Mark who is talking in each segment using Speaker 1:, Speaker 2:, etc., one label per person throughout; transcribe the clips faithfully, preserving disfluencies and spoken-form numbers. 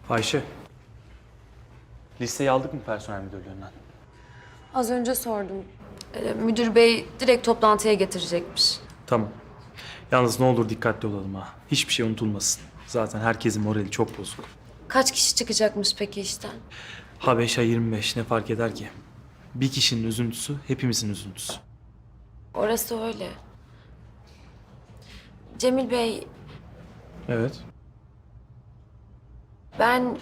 Speaker 1: Ayşe. Listeyi aldık mı personel müdürlüğünden?
Speaker 2: Az önce sordum. Ee, müdür bey direkt toplantıya getirecekmiş.
Speaker 1: Tamam. Yalnız ne olur dikkatli olalım ha. Hiçbir şey unutulmasın. Zaten herkesin morali çok bozuk.
Speaker 2: Kaç kişi çıkacakmış peki işten?
Speaker 1: Ha beş ha yirmi beş ne fark eder ki? Bir kişinin üzüntüsü hepimizin üzüntüsü.
Speaker 2: Orası öyle. Cemil Bey,
Speaker 1: Evet.
Speaker 2: ben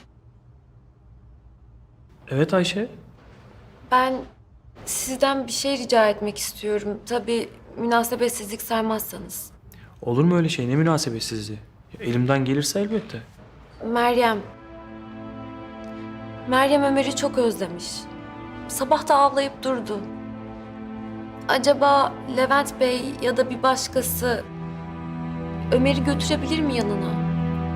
Speaker 1: Evet Ayşe.
Speaker 2: ben sizden bir şey rica etmek istiyorum. Tabii münasebetsizlik saymazsanız.
Speaker 1: Olur mu öyle şey? Ne münasebetsizliği? Ya elimden gelirse elbette.
Speaker 2: Meryem. Meryem Ömer'i çok özlemiş. Sabah da ağlayıp durdu. Acaba Levent Bey ya da bir başkası Ömer'i götürebilir mi yanına?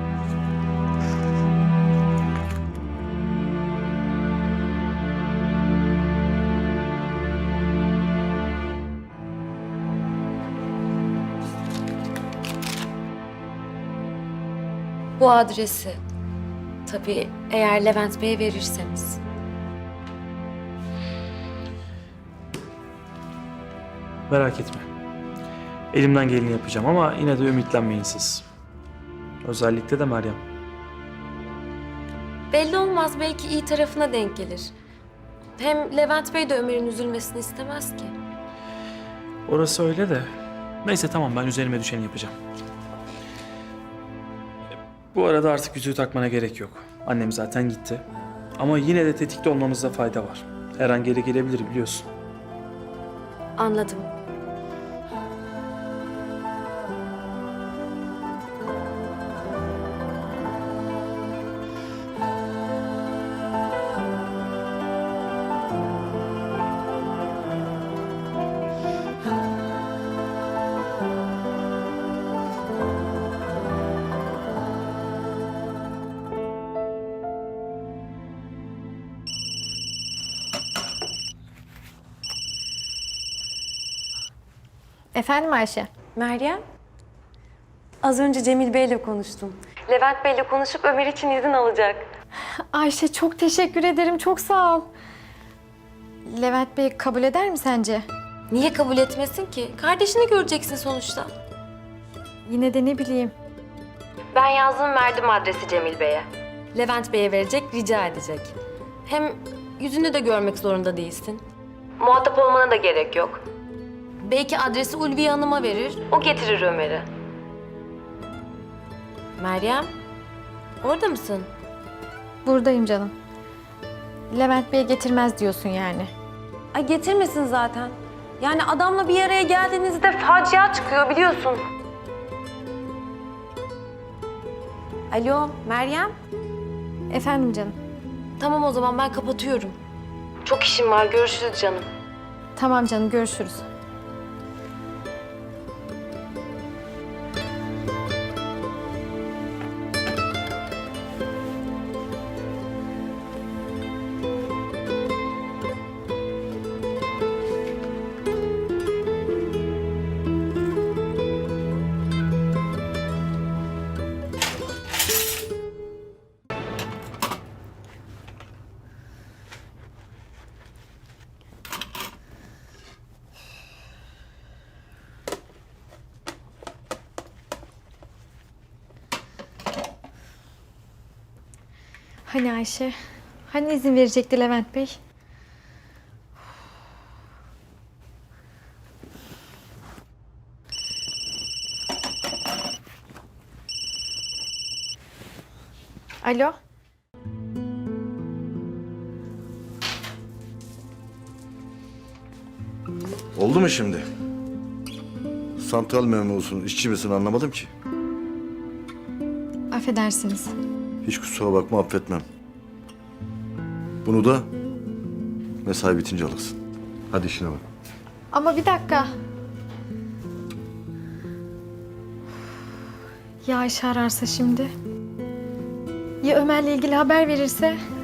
Speaker 2: Bu adresi. Tabii eğer Levent Bey'e verirseniz.
Speaker 1: Merak etme. Elimden geleni yapacağım ama yine de ümitlenmeyin siz. Özellikle de Meryem.
Speaker 2: Belli olmaz, belki iyi tarafına denk gelir. Hem Levent Bey de Ömer'in üzülmesini istemez ki.
Speaker 1: Orası öyle de. Neyse tamam ben üzerime düşeni yapacağım. Bu arada artık yüzüğü takmana gerek yok. Annem zaten gitti. Ama yine de tetikte olmamızda fayda var. Her an geri gelebilir biliyorsun.
Speaker 2: Anladım.
Speaker 3: Efendim Ayşe?
Speaker 2: Meryem? Az önce Cemil Bey'le konuştum. Levent Bey'le konuşup Ömer için izin alacak.
Speaker 3: Ayşe çok teşekkür ederim, çok sağ ol. Levent Bey kabul eder mi sence?
Speaker 2: Niye kabul etmesin ki? Kardeşini göreceksin sonuçta.
Speaker 3: Yine de ne bileyim.
Speaker 2: Ben yazdım, verdim adresi Cemil Bey'e. Levent Bey'e verecek, rica edecek. Hem yüzünü de görmek zorunda değilsin. Muhatap olmana da gerek yok. Belki adresi Ulviye Hanım'a verir, o getirir Ömer'i. Meryem, orada mısın?
Speaker 3: Buradayım canım. Levent Bey getirmez diyorsun yani.
Speaker 2: Ay getirmesin zaten. Yani adamla bir araya geldiğinizde facia çıkıyor biliyorsun. Alo, Meryem?
Speaker 3: Efendim canım.
Speaker 2: Tamam o zaman ben kapatıyorum. Çok işim var, görüşürüz canım.
Speaker 3: Tamam canım, görüşürüz. Hani Ayşe? Hani izin verecekti Levent Bey? Alo?
Speaker 4: Oldu mu şimdi? Santral memurusun, işçi misin anlamadım ki.
Speaker 3: Affedersiniz.
Speaker 4: Hiç kusura bakma affetmem. Bunu da mesai bitince alırsın. Hadi işine bak.
Speaker 3: Ama bir dakika. Ya Ayşe ararsa şimdi? Ya Ömer'le ilgili haber verirse?